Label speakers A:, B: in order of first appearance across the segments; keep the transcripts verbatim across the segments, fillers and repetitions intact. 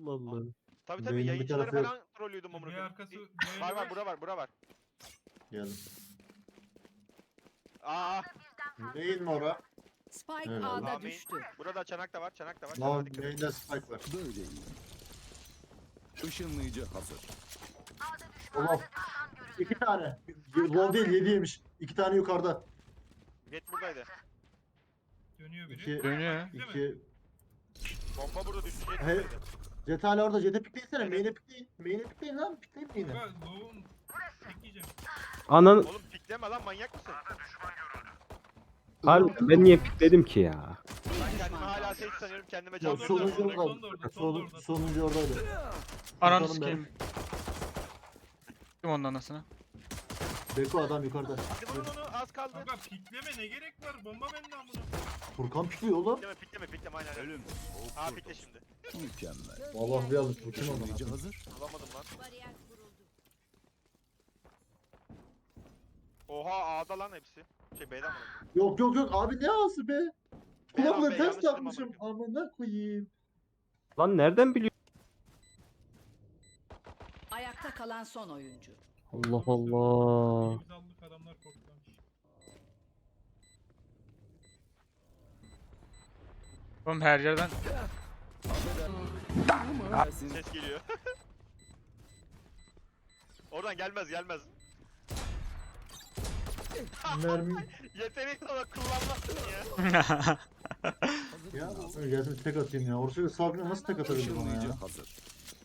A: Allah Allah.
B: Tabii tabii
C: Beynin bir
B: yayıncıları
C: tarafı yok.
B: falan trollüyordum amına
D: Bir
B: koyayım.
D: arkası.
B: Bir- Var var bura var bura var.
C: Geldim.
B: Aa
C: Neyin mi ora?
E: Spike
C: Evet.
E: A'da
B: Amin.
E: düştü.
B: Burada çanak da var çanak da var.
C: Lan
B: Çanağa dikkat et.
C: main'de spike var.
F: Böyle iyi. Işınlayıcı hazır.
C: Allah. İki tane. Low değil yedi yemiş. İki tane yukarıda.
B: Jet buradaydı.
D: Dönüyor biri.
C: İki.
G: Dönüyor.
D: Değil mi?
C: İki.
B: Bomba burada düştü jet
C: He.
B: buradaydı.
C: Jet hala orada. Jet'e pikleyinsene.
B: Evet.
C: Main'e pikleyin. Main'e pikleyin lan. Pikleyin main'e.
D: Bak loğum. Bekleyeceğim.
A: Anan
B: Oğlum pikleme lan manyak mısın?
A: harbi ben niye pikledim ki ya?
E: Bir
B: Ben kendimi
E: düşman
B: hala
E: kaldı.
B: safe sanıyorum kendime
C: Ya
B: can
D: Sol
B: veriyorum.
C: sonuncu
D: orada,
C: orada.
D: son da orada, son da
C: Son,
D: orada.
C: sonuncu oradaydı.
G: Ananı
C: Bakalım
G: sikeyim. Kim onun anasını?
C: Beko adam yukarıda.
B: Hadi vurun onu az kaldı.
D: Kanka pikleme ne gerek var? Bomba bende amına.
C: Furkan pikliyor oğlum.
B: Pikleme pikleme pikleme aynen.
F: Ölüm.
B: Aa pikle şimdi.
F: Mükemmel.
C: Allah bir almış. Bu kim oldu
F: Işınlayıcı
C: lan?
F: hazır.
B: Alamadım lan.
E: Bariyer kuruldu.
B: Oha A'da lan hepsi. Şey B'den mi?
C: Yok yok yok abi ne ağası be?
B: Beyler,
C: Kulaklığı
B: ben
C: ters
B: yanlış dedim
C: takmışım. Amına koyayım.
A: Lan nereden biliyor?
E: Ayakta kalan son oyuncu.
A: Allah Allah.
D: Temiz aldık adamlar korkmamış.
G: Oğlum her yerden.
B: Ses geliyor. Oradan gelmez gelmez.
C: Mermi.
B: Yetenek olarak kullanmazsın ya.
C: Ya gelsin tek atayım ya. Orası sabrına nasıl tek atabildim ona
F: Işınlayıcı
C: ya?
F: hazır.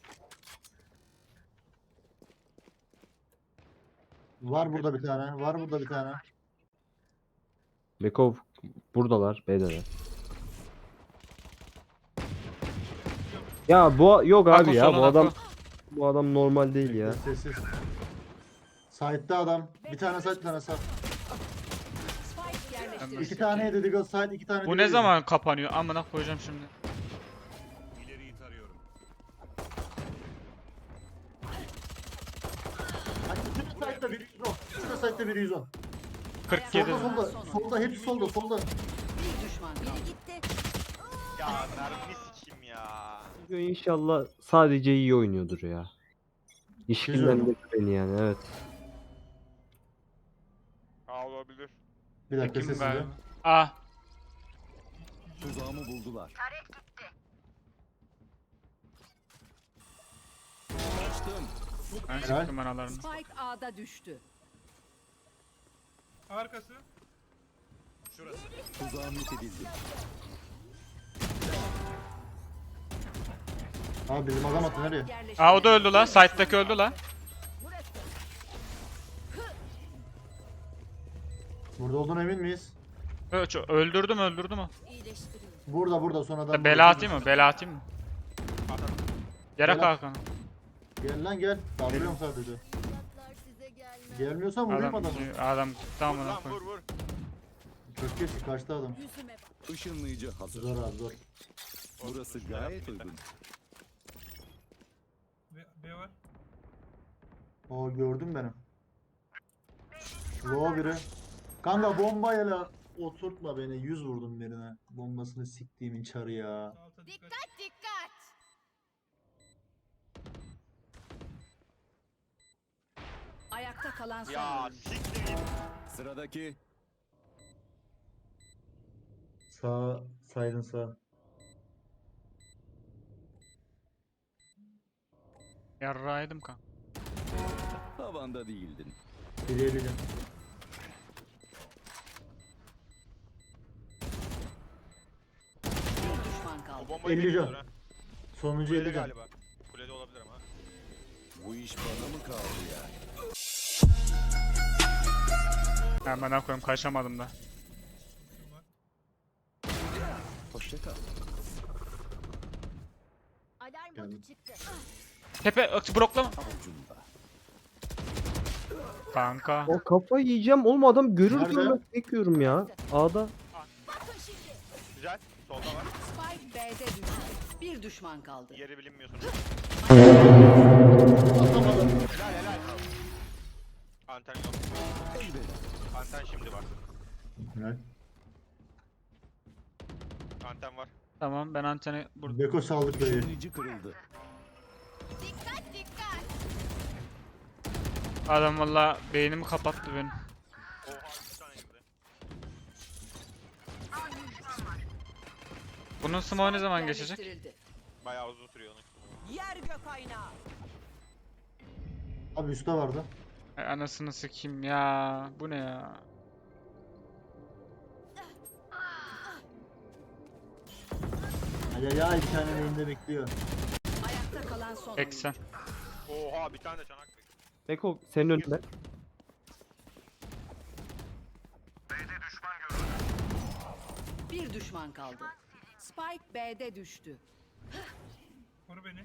C: Var burada bir tane. Var burada bir tane.
A: Bekov buradalar, B'deler. Ya bu yok
G: Ako
A: abi ya bu
G: soluna,
A: adam
G: Ako.
A: bu adam normal değil ya.
C: Sessiz. Side'da adam. Bir tane side bir tane side.
E: Spike yerleştirildi.
C: İki tane yedi Diggle side iki tane
G: Bu
C: Diggle
G: ne
C: yedi.
G: zaman kapanıyor? Amına koyacağım şimdi.
F: İleriyi tarıyorum.
C: Hani bütün side'da biri yüz on. Bütün side'da biri yüz on.
G: kırk yedi.
C: Solda solda. Solda hepsi solda solda.
E: Bir düşman kaldı.
B: Ya mermini sikeyim ya.
A: İnşallah sadece iyi oynuyordur ya. İşkillendirdi beni yani evet.
B: Aa olabilir.
C: Bir dakika
G: Kim
C: sessizce.
G: galiba? Ah.
F: Tuzağımı buldular. Kaçtım.
G: Ben
C: Helal.
G: sıktım analarını.
E: Spike A'da düştü.
D: Arkası.
F: Şurası. Tuzağım yok edildi.
C: Abi bizim adam attı nereye?
E: Yerleştirildi.
G: Aa o da öldü la. Site'daki öldü la.
C: Burada olduğuna emin miyiz?
G: Ö- ço- Öldürdüm öldürdüm o.
C: Burada burada son adam.
G: Bela atayım mı? Bela atayım mı? Yere
C: Bela.
G: kalkan.
C: Gel lan gel. Kaldırıyorum sadece. Gelmiyorsan vurayım
G: Adam,
C: adamı.
G: adam
B: Vur
G: tamam
B: lan
G: lan
B: vur vur.
C: Çok geç kaçtı adam.
F: Işınlayıcı hazır.
C: Zor abi zor.
F: Burası gayet uygun.
D: B, B var.
C: O gördüm benim. Low biri. Kanka bombayla oturtma beni. Yüz vurdum birine. Bombasını siktiğimin çarı ya.
D: Alta dikkat.
E: Ayakta kalan son
B: Ya
E: oyuncu.
B: siktir git.
F: Sıradaki.
C: Sağ, saydın sağ.
G: Yarraydım kan.
F: Tavanda değildin.
C: Bilebilirim.
E: Bir düşman
B: O
E: kaldı.
B: bombayı
C: elli can.
B: bekliyordur ha.
C: Sonuncu
B: Kulede
C: elli can.
B: galiba. Kulede olabilir ama.
F: Bu iş bana mı kaldı ya?
G: Hemen koyayım kaçamadım da.
D: Kim var?
F: Hoşça kal.
H: Alarm
C: Geldim.
H: botu çıktı.
G: Tepe ık, bloklama.
F: Avucumda.
G: Kanka.
A: O kafayı yiyeceğim oğlum adam görür
C: Nerede?
A: görmez bekliyorum ya. A'da.
B: Güzel. Solda var.
E: Spike B'de düştü. Bir düşman kaldı.
B: Yeri bilinmiyorsun. Helal helal. Anten yok. Anten şimdi var.
C: Evet.
B: Anten var.
G: Tamam ben anteni burada.
C: Beko saldık beyi.
F: Işınlayıcı kırıldı.
G: Adam valla beynimi kapattı benim.
B: Oha bir tane girdi.
G: Bunun smoke ne zaman geçecek?
E: Yerleştirildi.
B: Bayağı uzun sürüyor onun.
E: Yer gök aynağı.
C: Abi üstte vardı.
G: Ay anasını sikeyim ya. Bu ne ya?
C: Ay ay ay, bir tane elinde bekliyor.
E: Ayakta kalan son oyuncu.
G: seksen.
B: Oha bir tane de çanak bekliyor.
A: Beko senin önünde.
E: Bir düşman kaldı. Spike B'de düştü.
D: Koru beni.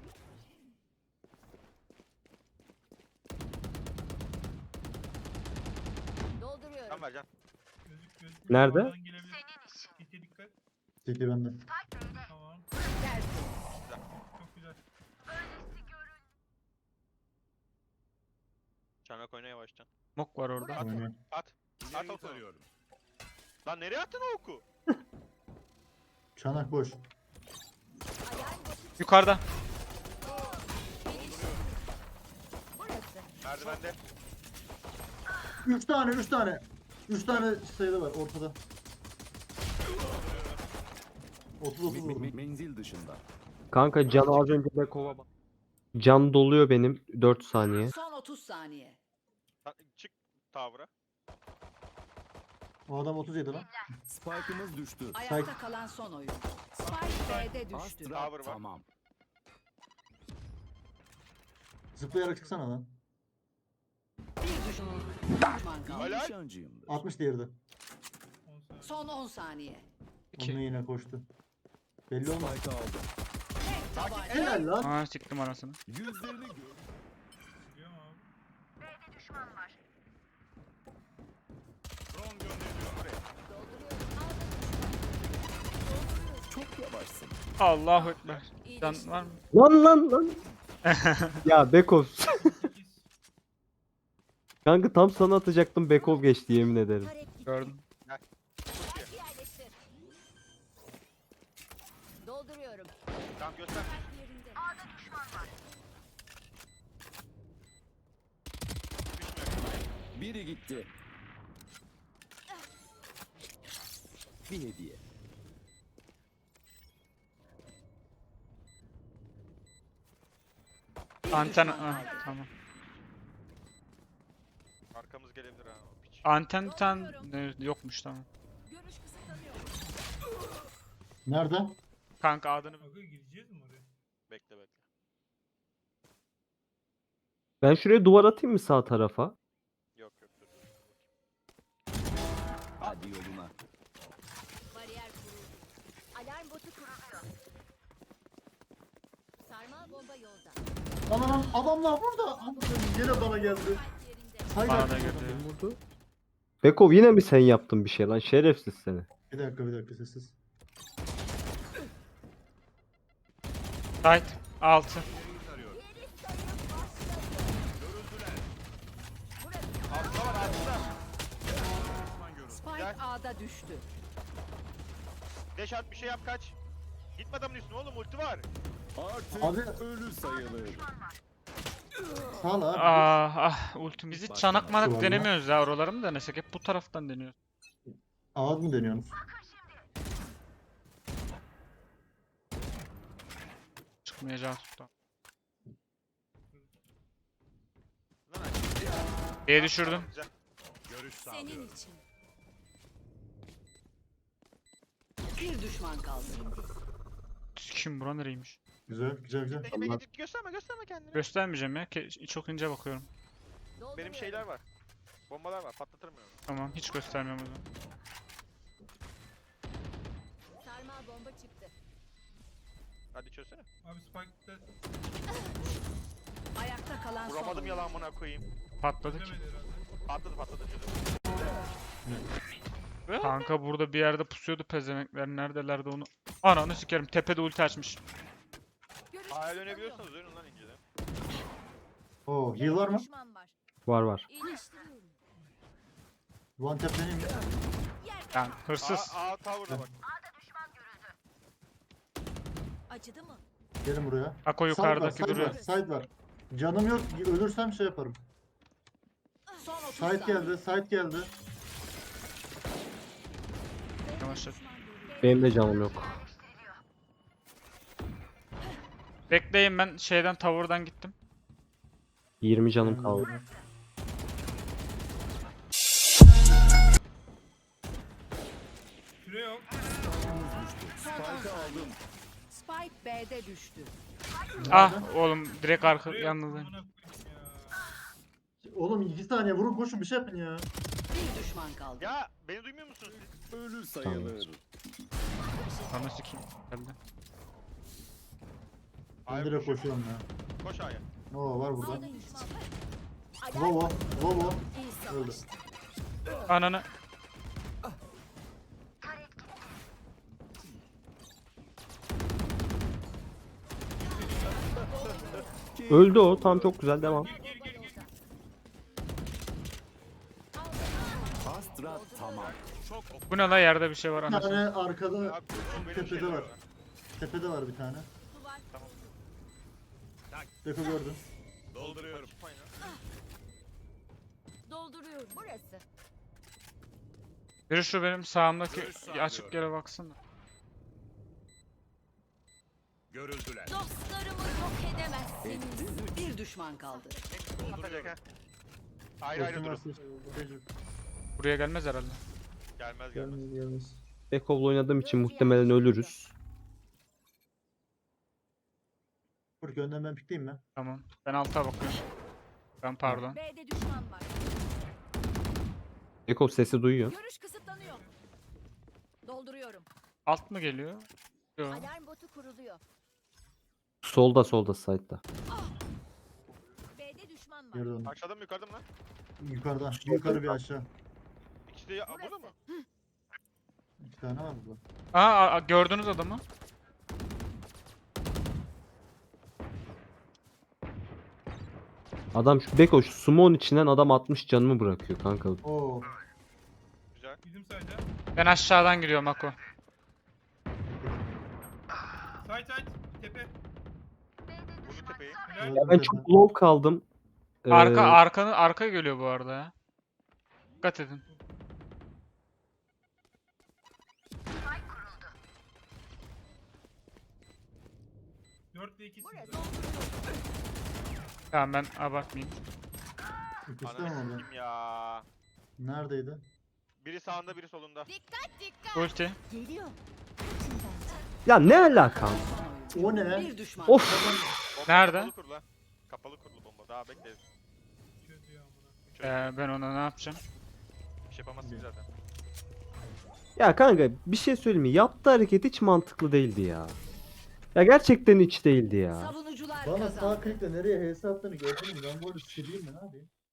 E: Dolduruyorum.
B: Sen vereceksin.
D: Gözük gözük.
A: Nerede?
D: Oradan gelebilir. Gite dikkat.
C: Çekil bende.
D: Tamam.
E: Tersi.
D: Çok güzel.
B: Çanak oyna yavaştan.
G: Smoke var orada.
C: Oynuyor.
B: At. At
F: İleri
B: oku.
F: tarıyorum.
B: Lan nereye attın o oku?
C: Çanak boş.
G: Yukarıda.
B: Merdivende.
C: Üç tane, üç tane. Üç tane sayıda var ortada. otuz otuz
F: Me- me-
C: vurdum.
F: menzil dışında.
A: Kanka can az önce Beko'ya bak. Can doluyor benim dört saniye.
E: Son otuz saniye.
B: Lan çık tavra.
C: O adam otuz yedi lan.
F: Spike'ımız düştü.
E: Ayakta kalan son oyuncu. Spike B'de düştü.
F: Astra
B: Tower var.
F: tamam.
C: Zıplayarak çıksana lan.
E: Bir düşman, düşman kaldı.
B: Helal.
F: Nişancıyımdır.
C: altmış diğeri de.
D: on saniye.
E: Son on saniye.
G: İki.
C: Onunla yine koştu. Belli olmaz.
F: Spike aldım.
E: Tek tabanca.
C: Helal lan.
G: Aa siktim anasını.
F: Yüzlerini gör.
D: Biliyorum abi.
B: Drone gönderiyor buraya.
F: Çok yavaşsın.
G: Allahu ekber. Can var mı?
A: Lan lan lan. Ya Beko.
D: sekiz.
A: Kanka tam sana atacaktım Beko geçti yemin ederim.
G: Gördüm.
E: Dolduruyorum.
B: Tamam göster.
F: Biri gitti. Bir hediye.
E: Bir
G: Anten...
E: düşman
G: Ah,
E: kaldı.
G: tamam.
B: Arkamız gelebilir ha. o piç.
G: Anten bir tane e, yokmuş tamam.
E: Görüş kısıtlanıyor.
C: Nerede?
G: Kanka adını
D: Aga gireceğiz mi oraya?
B: Bekle bekle.
A: Ben şuraya duvar atayım mı sağ tarafa?
B: Yok yok dur. dur.
F: Hadi yoluna.
E: Bariyer kuruldu. Alarm botu kuruluyor. Sarmal bomba yolda.
C: Lan lan adamlar burada. Amına yine bana geldi.
E: Yerinde.
C: Hayır.
G: bana da girdi.
A: Vurdu. Beko yine mi sen yaptın bir şey lan şerefsiz seni.
C: Bir dakika bir dakika sessiz.
G: Tight. altı.
B: Altta var altta.
E: Spike A'da düştü.
B: Deş at bir şey yap kaç. Gitme adamın üstüne oğlum ulti var.
F: Artık
C: Abi-
F: ölü sayılır.
C: Sağ ol abi.
G: Ah ah ultim. Biz hiç
F: Başka
G: çanak
C: var
G: manak
C: mı?
G: denemiyoruz ya oraları mı denesek? Hep bu taraftan deniyoruz.
C: Ağız mı deniyorsunuz?
G: Çıkmayacağı tuttu.
B: Lan aç.
G: B'ye düşürdüm.
B: Güzel.
F: Görüş
E: Senin için. Bir düşman kaldı.
G: Kim bura nereymiş?
C: Güzel güzel güzel.
B: Bekle bekle gösterme gösterme kendini.
G: Göstermeyeceğim ya. ke- Çok ince bakıyorum.
B: Benim şeyler var. Bombalar var patlatırım yani.
G: Tamam hiç göstermiyorum o zaman.
E: Sarmal bomba çıktı.
B: Hadi çözsene.
D: Abi Spike'da
E: Ayakta kalan son
B: Vuramadım
E: oyuncu.
B: yalan buna koyayım.
G: Patladı ki.
D: demedi herhalde.
B: Patladı patladı çözüm.
G: Kanka burada bir yerde pusuyordu pezemekler. Neredelerdi onu? Ananı sikerim. Tepede ulti açmış.
E: Görüş
B: Aya
E: kısıtlanıyor.
B: dönebiliyorsanız dönün lan inceden.
C: Oo heal var mı?
E: Düşman var.
A: Var var.
E: İyileştiriyorum.
C: One tap deneyim mi?
G: Yani hırsız.
B: Aa, aa tower'da bak.
E: Acıdı mı?
C: Gelin buraya.
G: Ako
C: Side var,
G: yukarıdaki
C: side
G: duruyor.
C: var, side var. Canım yok. Ölürsem şey yaparım.
E: Son otuz
C: Side
E: saniye.
C: geldi, side geldi.
G: Yavaşlat.
A: Benim de canım yok.
G: Bekleyin, ben şeyden tavırdan gittim.
A: yirmi canım kaldı.
D: Süre yok.
F: Spike'ı aldım.
E: Spike B'de düştü.
G: Ah oğlum, direkt arka
D: Süre yok.
G: yalnız.
D: Amına koyayım ya.
C: Oğlum iki saniye vurun koşun bir şey yapın ya.
E: Bir düşman kaldı.
B: Ya beni duymuyor musunuz siz?
F: Ölü sayılır.
G: Ananı sikeyim. Geldi.
C: Ben
B: Ay,
C: direkt
B: koşuyor.
C: koşuyorum ya.
B: Koş A'ya.
C: Nova var burada.
E: A'da düşman var.
C: Lovo, Lovo.
E: İyi
C: Öldü.
E: savaştı.
G: Ananı.
A: Öldü o. Tam çok güzel devam.
F: Astra tamam.
B: Çok
G: Bu ne la, yerde bir şey var
C: Bir
G: anasını.
C: tane arkada
B: Abi, o benim
C: tepede
B: şeyim
C: var.
B: ya.
C: Tepede var bir tane.
E: Duvar.
C: Deko gördüm.
F: Dolduruyorum.
B: Çıkmayın ha.
E: Dolduruyorum. Burası.
G: Biri şu benim sağımdaki
F: Görüş sağlıyorum.
G: açık yere baksana.
F: Görüldüler.
E: Dostlarımı yok edemezsiniz. Bir düşman kaldı.
B: Atacak ha. Ayrı ayrı
C: Koştum
B: durun.
C: varsa- Tecrübe.
G: Buraya gelmez herhalde.
B: Gelmez gelmez.
C: Gelmez gelmez.
A: Bekov'la oynadığım için muhtemelen ölürüz.
C: Furki önden ben pikleyeyim mi?
G: Tamam. Ben alta bakıyorum. Ben pardon.
E: B'de düşman var.
A: Bekov sesi duyuyor.
E: Görüş kısıtlanıyor. Dolduruyorum.
G: Alt mı geliyor? Yok.
E: Alarm botu kuruluyor.
A: Solda solda side'da.
E: B'de düşman var.
C: Geri döndüm.
B: Aşağıda mı yukarıda mı lan?
C: Yukarıda. Bir yukarı bir aşağı.
B: İkisi de ya, burada mı?
C: İki tane var burada.
G: Aa, aa, gördünüz adamı.
A: Adam şu Beko şu sumon içinden adam altmış canımı bırakıyor kanka.
C: Oo.
B: Güzel.
D: Bizim sayda.
G: Ben aşağıdan giriyorum Ako.
D: Side side. Tepe.
B: Vurdu tepeyi.
D: Helal.
A: Ya ben çok low kaldım. Ee,
G: Arka arkanı arka geliyor bu arada ya. Dikkat edin.
D: dörtte ikisi.
E: Burası.
G: Tamam, ben abartmayayım.
C: İkisi de mi
B: Ananı
C: orada?
B: sikeyim ya.
C: Neredeydi?
B: Biri sağında biri solunda.
E: Dikkat dikkat.
G: Ulti.
E: Geliyor.
A: Ya ne alaka?
C: O ne?
E: Bir düşman.
A: Of.
B: Bomba
G: Nerede?
B: Kapalı kur la. Kapalı kurulu bomba. Daha bekleriz.
D: Çözüyor amına koyayım.
G: Ee, ben ona ne yapacağım?
B: Bir şey yapamazsın zaten.
A: Ya kanka bir şey söyleyeyim mi? Yaptığı hareket hiç mantıklı değildi ya. Ya gerçekten hiç değildi ya.
E: Savunucular
C: Bana
E: kazandı.
C: sağ klikle nereye H S attığını gördün mü? Ben bu arada sileyim mi? Ne yapayım?